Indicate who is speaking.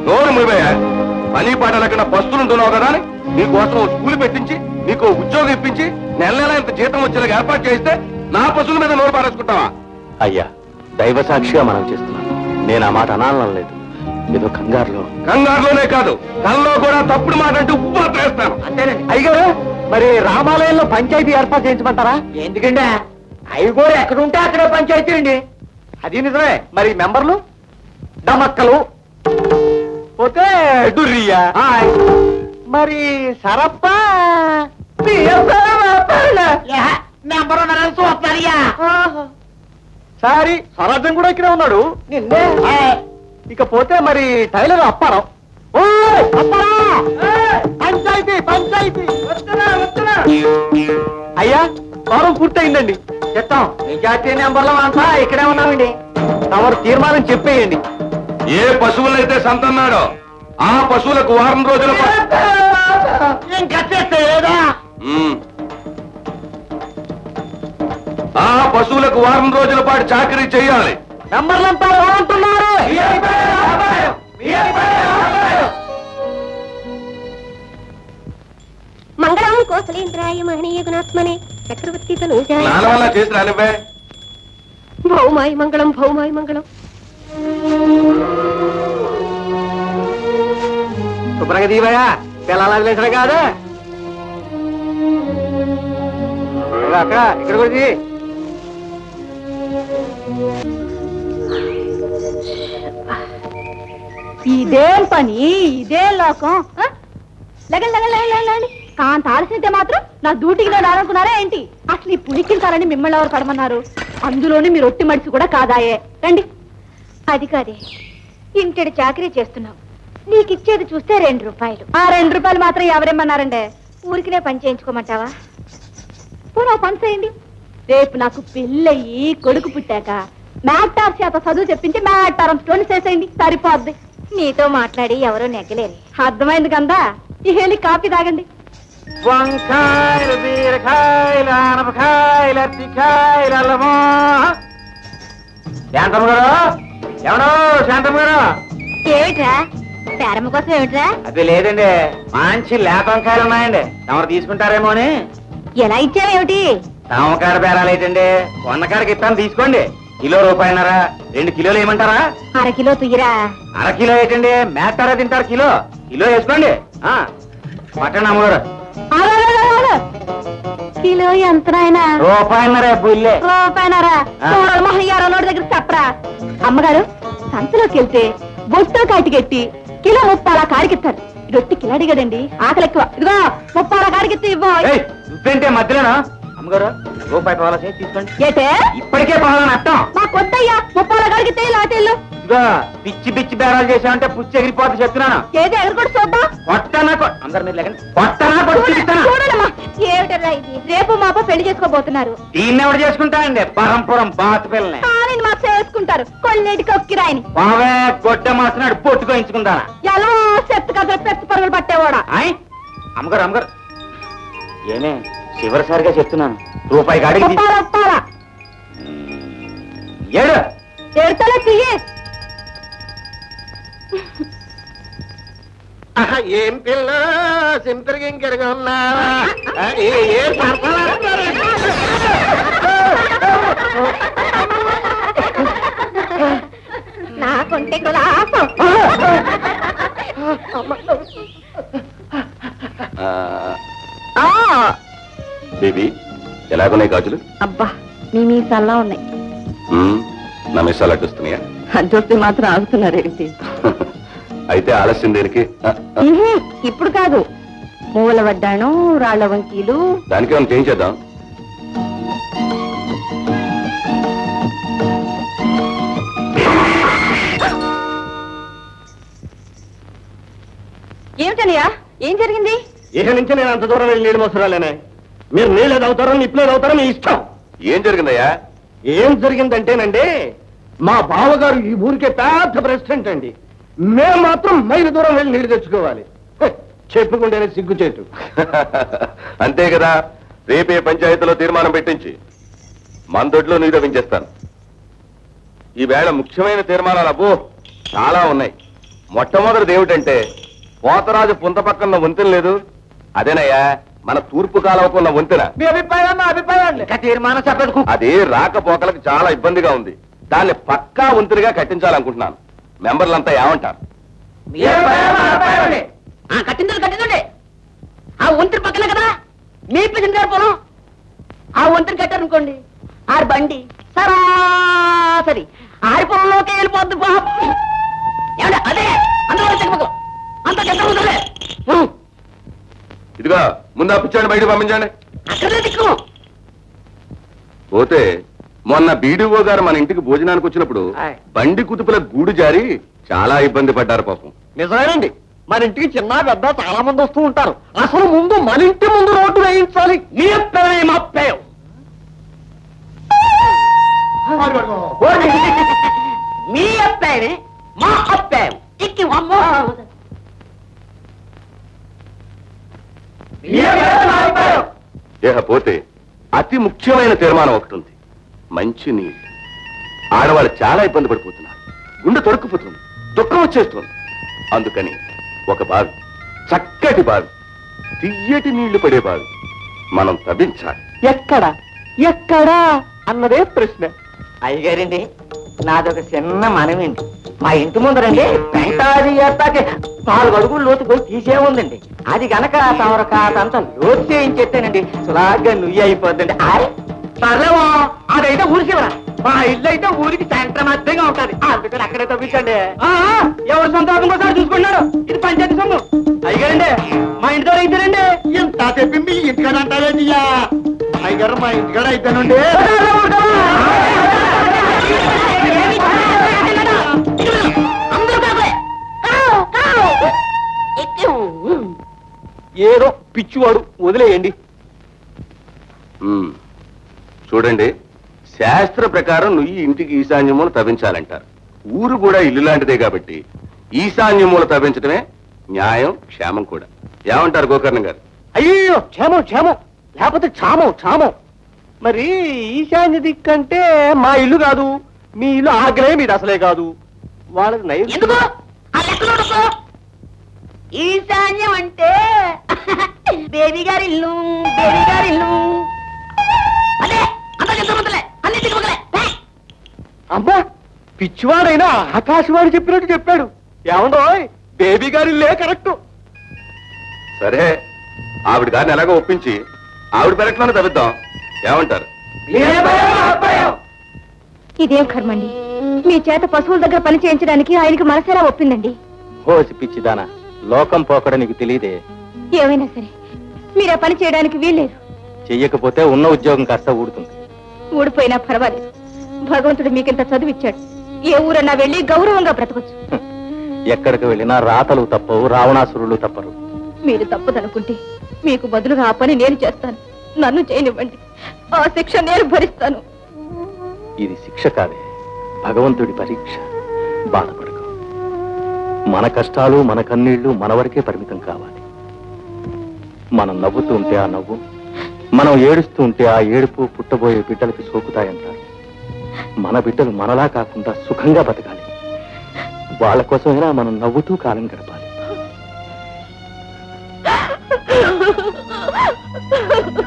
Speaker 1: నోరు మూయబోయా పని పాట లేకుండా పస్తులుంటున్నావు కదా అని నీకోసం స్కూల్ పెట్టించి నీకు ఉద్యోగం ఇప్పించి నెల నెల ఇంత జీతం వచ్చేలాగా ఏర్పాటు చేస్తే నా పశువుల మీద నోరు పారేసుకుంటావా?
Speaker 2: అయ్యా దైవ సాక్షిగా మనం చేస్తున్నాను. నేను ఆ మాట అనాలని లేదు, ఏదో కంగారులోనే కాదు కల్లో కూడా తప్పుడు మాట అంటే ఉప్పు వేస్తాను.
Speaker 3: అంతేనండి. అయ్యగారు మరి రామాలయంలో పంచాయతీ ఏర్పాటు చేయించమంటారా? ఎందుకంటే అయ్యగారు ఎక్కడ ఉంటే అక్కడే పంచాయతీ అండి. అది నిజమే. మరి మెంబర్లు డమక్కలు పోతే డుర్రియా, మరి సరప్ప మెంబర్ ఉన్నారని చూస్తారయ్యా. సారీ స్వరాజ్యం కూడా ఇక్కడే ఉన్నాడు. నిన్నే ఇకపోతే మరి టైలర్ అప్పారావు. పంచాయతీ పంచాయతీ అయ్యా వారం పూర్తయిందండి. చెప్తాం మెజార్టీ నెంబర్లో అంతా ఇక్కడే ఉన్నామండి. తమరు తీర్మానం చెప్పేయండి.
Speaker 1: ఏ పశువులైతే సంతన్నాడో ఆ పశువులకు వారం రోజుల ఆ పశువులకు వారం రోజుల పాటు చాకరీ చేయాలి.
Speaker 3: నంబర్లంతా ఏమంటున్నారు?
Speaker 4: మంగళం కోసలేంద్రాయ మహనీయ గుణాత్మనే చక్రవర్తి తనూజాయ
Speaker 1: వల్ల చేసి రానివ్వే.
Speaker 4: భౌమాయ మంగళం భౌమాయ మంగళం.
Speaker 3: శుభ్రంగా దీవయ్యా పిల్లలు లేచడం కాదు. అక్కడ ఇక్కడ కూడా
Speaker 5: ఇదేం పని, ఇదే లోకం. లగండి కాంత ఆలస్యతే మాత్రం నా డ్యూటీకి నేను రానుకున్నారా ఏంటి? అసలు ఈ పులికించాలని మిమ్మల్ని ఎవరు పడమన్నారు? అందులోని మీరు ఒట్టి మడిసి కూడా కాదాయే. రండి.
Speaker 4: అది కాదే, ఇంటడి చాకరీ చేస్తున్నావు, నీకిచ్చేది చూస్తే 2 రూపాయలు.
Speaker 5: ఆ 2 రూపాయలు మాత్రం ఎవరేమన్నారండి?
Speaker 4: ఊరికినే పని చేయించుకోమంటావా?
Speaker 5: పోనా పని చేయండి. రేపు నాకు పెళ్ళయి కొడుకు పుట్టాక మ్యాటార్ చేత చదువు చెప్పించి మ్యాటారం స్టోన్ చేసేయండి, సరిపోద్ది.
Speaker 4: నీతో మాట్లాడి ఎవరో నెగ్గలేరు.
Speaker 5: అర్థమైంది కదా? ఈ హేళి కాఫీ తాగండి.
Speaker 3: వంకాయలు బీరకాయలు ఆనపకాయలు అరటికాయలు అల్లమో. శాంతమ్మ గారు ఎవడో శాంతమ్మ గారు.
Speaker 4: ఏమిట్రా పేరమ్మ కోసం? ఏమిట్రా?
Speaker 3: అది లేదండి, మంచి లేత వంకాయలు ఉన్నాయండి, ఎవరు తీసుకుంటారేమో అని.
Speaker 4: ఎలా ఇచ్చావేమిటి?
Speaker 3: తామకాడ బేరాలు ఏంటండి, వందకాడికి ఇస్తాను తీసుకోండి. కిలో రూపాయన్నర, 2 కిలోలు ఏమంటారా?
Speaker 4: 1/2 కిలో తుయ్యరా.
Speaker 3: 1/2 కిలో ఏంటండి, మేస్తారా తింటారు. కిలో వేసుకోండి. మటన్ అమ్మగారు
Speaker 5: కిలో ఎంత నాయనా?
Speaker 3: రూపాయన్నరే బుల్లే.
Speaker 5: రూపాయనరా? మహయ్యారో నోటి దగ్గర చెప్పరా. అమ్మగారు సంతలోకి వెళ్తే బొట్టు కాటికెట్టి కిలో 30 కాడికిస్తారు. రొట్టి కిలాడి కదండి, ఆకలి ఎక్కువ. ఇదిగో 30 కాడికెత్తి ఇవ్వ.
Speaker 3: నువ్వేంటే మధ్యలోనా? అమ్మగారు రూపాయి పావులా చేసి తీసుకోండి.
Speaker 5: ఏటే
Speaker 3: ఇప్పటికే పావులని అర్థం.
Speaker 5: మా కొత్తయ్యా 30 కాడికితే లాటేళ్ళు.
Speaker 3: ఇదిగో పిచ్చి పిచ్చి బేరాలు చేసామంటే పుచ్చి ఎగిరిపోతే చెప్తున్నాను.
Speaker 5: ఏది ఎగరకొట్టు చూద్దాం.
Speaker 3: కొట్టనా అందరు మీరు లేకండి. కొట్టనా కొట్టిస్తానా?
Speaker 5: చూడమ్మా ఏమిటరా ఇది? రేపు మాప పెళ్లి చేసుకోబోతున్నారు.
Speaker 3: దీన్ని ఎవరు చేసుకుంటానండి? పరంపురం బాత పిల్లని
Speaker 5: ఆయన మా చేసుకుంటారు. కొన్నిటికి ఒక్కిరాయని
Speaker 3: పావే గొడ్డ మాసినాడు పొట్టుకోయించుకుంటానా?
Speaker 5: ఎలా చెత్త కథలు పెద్ద పరుగులు పట్టేవాడా?
Speaker 3: అమ్మగారు ఏమే చివరిసారిగా చెప్తున్నాను, రూపాయి కాడికి ఏడు
Speaker 5: ఏడుతలే తీయే.
Speaker 3: ఏం పిల్ల సింపరికి ఇంకెరగా ఉన్నావా?
Speaker 4: నాకుంటే కులాసం.
Speaker 1: బేబీ ఎలాగున్నాయి గాజులు?
Speaker 5: అబ్బా మీ మీసల్లా ఉన్నాయి.
Speaker 1: నా మిస్సాలు అడ్డుస్తున్నాయా?
Speaker 5: అడ్డొస్తే మాత్రం ఆగుతున్నారేంటి?
Speaker 1: అయితే ఆలస్యం దేనికి?
Speaker 5: ఇప్పుడు కాదు, మూల వడ్డాను రాళ్ల వంకీలు
Speaker 1: దానికి ఏమైనా చేయించేద్దాం.
Speaker 5: ఏమిటనయ్యా, ఏం జరిగింది?
Speaker 3: ఇక నుంచి నేను అంత దూరం వెళ్ళి నీళ్ళు మోసరాలేనే. మీరు నీళ్ళు అవుతారో నిప్పులేదు అవుతారో మీ ఇష్టం.
Speaker 1: ఏం జరిగిందయ్యా?
Speaker 3: ఏం జరిగిందంటేనండి, మా బావగారు ఈ ఊరికే పెద్ద ప్రెసిడెంట్ అండి. మేము మాత్రం మైలు దూరం వెళ్ళి నీళ్లు తెచ్చుకోవాలి. చెప్పుకుంటేనే సిగ్గుచేటు.
Speaker 1: అంతే కదా, రేపే పంచాయతీలో తీర్మానం పెట్టించి మందొడ్లో నీరు తవ్వించేస్తాను. ఈవేళ ముఖ్యమైన తీర్మానాలు అబ్బో చాలా ఉన్నాయి. మొట్టమొదటిది ఏమిటంటే పోతరాజు పుంత పక్కన వంతెన లేదు, అదేనయ్యా మన తూర్పు కాలవకున్న వంతెన.
Speaker 3: మీ అభిప్రాయం నా అభిప్రాయం ఇంకా తీర్మానం చెప్పదు.
Speaker 1: అది రాకపోకలకు చాలా ఇబ్బందిగా ఉంది. దాన్ని పక్కా వంతెనగా కట్టించాలనుకుంటున్నాను. మెంబర్లంతా ఏమంటారు?
Speaker 5: కట్టిందండి ఆ వంతెన పక్కన కదా మీ ప్రెసిడెంట్ గారు పొలం. ఆ వంతెన కట్టారనుకోండి ఆరు బండి సరాసరి ఆరి పొలంలోకి వెళ్ళిపోద్ది పాపం. ఏమంటే అదే అందులో చెక్కపక్కల అంత చెక్క
Speaker 1: ఇదిగా ముందు అప్పించండి, బయట పంపించండి.
Speaker 5: అక్కడే దిక్కు.
Speaker 1: పోతే మొన్న బీడీఓ గారు మన ఇంటికి భోజనానికి వచ్చినప్పుడు
Speaker 3: ఆయ్.
Speaker 1: బండి కుతుపుల గూడు జారి చాలా ఇబ్బంది పడ్డారు పాపం.
Speaker 3: నిజమేనండి, మన ఇంటికి చిన్న పెద్ద చాలా మంది వస్తూ ఉంటారు. అసలు ముందు మన ఇంటి ముందు రోడ్డు వేయించాలి.
Speaker 5: మీ అప్పాయం అప్పాయం మీ అప్పాయమే మా అప్పాయం ఎక్కి అమ్మో.
Speaker 1: పోతే అతి ముఖ్యమైన తీర్మానం ఒకటి ఉంది. మంచి నీళ్ళు. ఆడవాళ్ళు చాలా ఇబ్బంది పడిపోతున్నారు. గుండె తొడుక్కుపోతుంది, దుఃఖం వచ్చేస్తుంది. అందుకని ఒక బావి, చక్కటి బావి, తియ్యటి నీళ్లు పడే బావి మనం తవ్వించాలి.
Speaker 3: ఎక్కడా అన్నదే ప్రశ్న. అయ్యగారండి, నాదొక చిన్న మనమేంటి. మా ఇంటి ముందరండి పెంటాది ఎత్తాకి 4 అడుగులు లోతు పోయి తీసే ఉందండి. అది గనక తమరు కాదంతా లోతు చేయించేస్తేనండి సులాగ్గా నుయ్యి అయిపోద్దండి. సర్లేమో అదైతే ఊరికివరా, మా ఇల్లు అయితే ఊరికి సెంటర్ మధ్యంగా ఉంటుంది. అందుకని అక్కడే తప్పించండి. ఎవరు సంతోషం కోసం చూసుకున్నారు. ఇది పంచాయతీ సొమ్ము. అయ్యగారండి, మా ఇంటి దగ్గర అయితేనండి ఇంత చెప్పి మీ ఇంటికాడ అంటారేంటి? అయ్యగారు మా ఇంటికాడ అయితేనండి ఏదో పిచ్చివాడు, వదిలేయండి.
Speaker 1: చూడండి, శాస్త్ర ప్రకారం నువ్వు ఇంటికి ఈశాన్యమూల తవ్వించాలంటారు. ఊరు కూడా ఇల్లు లాంటిదే కాబట్టి ఈశాన్యమూల తవ్వించడమే న్యాయం, క్షేమం కూడా. ఏమంటారు గోకర్ణ గారు?
Speaker 3: అయ్యో క్షేమం లేకపోతే క్షామం. మరి ఈశాన్య దిక్కంటే మా ఇల్లు కాదు, మీ ఇల్లు ఆగ్రహం మీది అసలే కాదు. వాళ్ళకి
Speaker 5: ఎందుకు ఆ లెక్కలో ఉండకు. ఈశాన్యం అంటే బేబీ గారి ఇల్లు అదే అంత చెప్తామంతలే అన్ని దిగుమగలే.
Speaker 3: అమ్మా, పిచ్చివాడైనా ఆకాశవాణి చెప్పినట్టు చెప్పాడు. ఏమండో బేబీ గారి ఇల్లే కరెక్ట్.
Speaker 1: సరే, ఆవిడ గారిని ఎలాగో ఒప్పించి ఆవిడ పెరట్లోనే తవ్విద్దాం. ఏమంటారు?
Speaker 4: ఇదేం కర్మండి, మీ చేత పశువుల దగ్గర పని చేయించడానికి ఆయనకి మనసేలా ఒప్పిందండి.
Speaker 2: హోసి పిచ్చిదానా, లోకం పోకడ నీకు తెలియదే.
Speaker 4: ఏమైనా సరే మీరు ఆ పని చేయడానికి వీల్లేదు.
Speaker 2: చెయ్యకపోతే ఉన్న ఉద్యోగం కాస్త ఊడుతుంది.
Speaker 4: ఊడిపోయినా పర్వాలేదు. భగవంతుడు మీకింత చదువిచ్చాడు. ఏ ఊరన్నా వెళ్ళి గౌరవంగా బ్రతకొచ్చు.
Speaker 2: ఎక్కడికి వెళ్ళినా రాతలు తప్పవు, రావణాసురులు తప్పరు.
Speaker 4: మీరు తప్పదనుకుంటే మీకు బదులుగా ఆ పని నేను చేస్తాను. నన్ను చేయనివ్వండి, ఆ శిక్ష నేను భరిస్తాను.
Speaker 2: ఇది శిక్ష కాదే, భగవంతుడి పరీక్ష. బాధపడకు. మన కష్టాలు, మన కన్నీళ్లు మన వరకే పరిమితం కావాలి. మనం నవ్వుతూ ఉంటే ఆ నవ్వు, మనం ఏడుస్తూ ఉంటే ఆ ఏడుపు పుట్టబోయే బిడ్డలకి సోకుతాయంటారు. మన బిడ్డలు మనలా కాకుండా సుఖంగా బతకాలి. వాళ్ళ కోసమైనా మనం నవ్వుతూ కాలం గడపాలి.